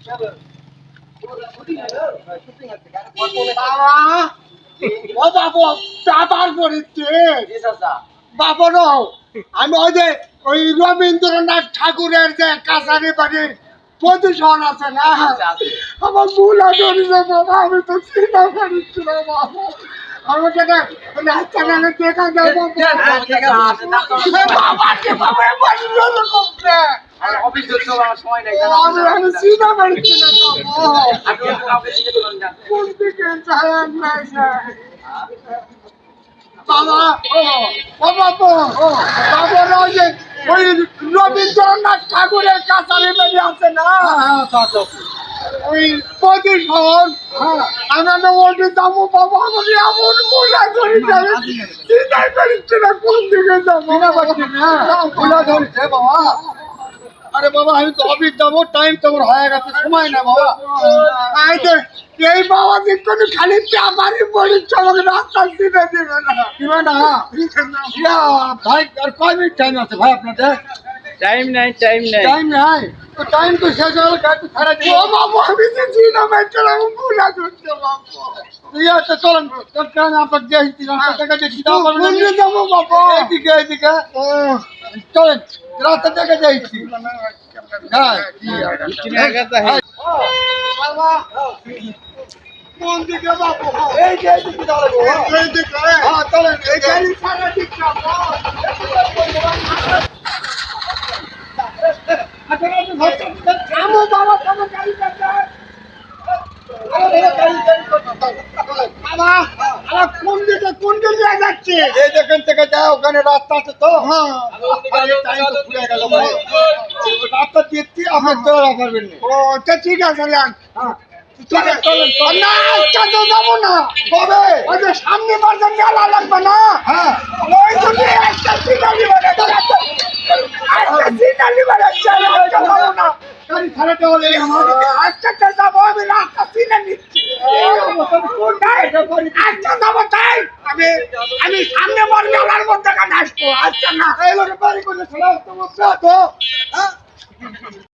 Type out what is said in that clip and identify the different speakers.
Speaker 1: ও বাবু চাপার পড়েছে বাবর আমি ওই যে ওই রবীন্দ্রনাথ ঠাকুরের যে কাছারি বাড়ির প্রদূষণ আছে না আমার ভুল ধরেছে বাবা আমি তো চিন্তা করেছি না বাবা আমাকে রাস্তাঘাটে দেখা যাবো আমি চিন্তা করেছি না কোন দিকে যায় না বাবা ও বাবু বাবার ওই যে ওই রবীন্দ্রনাথ ঠাকুরের কাছারি বাড়ি আছে না ওই প্রদূষণ আমরা ওটি যাবো বাবা আমাকে এমন মজা করি যাবে চিন্তাই করিচ্ছে না কোন দিকে যাবো বাবা আরে বাবা আমি তো অফিস যাবো টাইম তোমার হয়ে গেছে সময় না বাবা এই বাবা কিন্তু খালি চাপারি পড়িচ্ছে আমাকে রাস্তা দিতে দেবে না দিবে না ভাই আর কয় মিনিট টাইম আছে ভাই আপনাদের
Speaker 2: টাইম নাই
Speaker 1: টাইম নাই তো টাইম তো শেষ হলো গাড়ি ছাড়া দিই ও বাবু আমি যে জিনা মেট্রো আমি ভুলা করতে বাবু ইয়া তো চলুন কারণ আপনাকে দেখি রাস্তা থেকে দেখি দাও বলুন যাবো বাবু এদিকে চলেন রাস্তা থেকে যাইছি হ্যাঁ বাবা কোন দিকে বাবু এই যে দিকে দাঁড়াবো এই দিকে হ্যাঁ চলেন এই গাড়ি ছাড়া ঠিক যাবো থামো বাবা থামো গাড়ি চালান বাবা আমার কোন দিকে যাচ্ছে এই যেখান থেকে যাও ওখানে রাস্তা আছে তো হ্যাঁ রাস্তা দিচ্ছি আমার চলা করবেন ও ঠিক আছে যাবো না কবে ওই যে সামনে বাজার মেলা লাগবে না হ্যাঁ ওই জন্য একটা সিনারি বানাতে গাড়ি ছাড়াতে হলে আজকে যাবো আমি রাস্তা চিনে নিচ্ছি আজকে যাবো তাই আমি সামনে বল মেলার মধ্যে আসবো আজকে না বাড়ি করে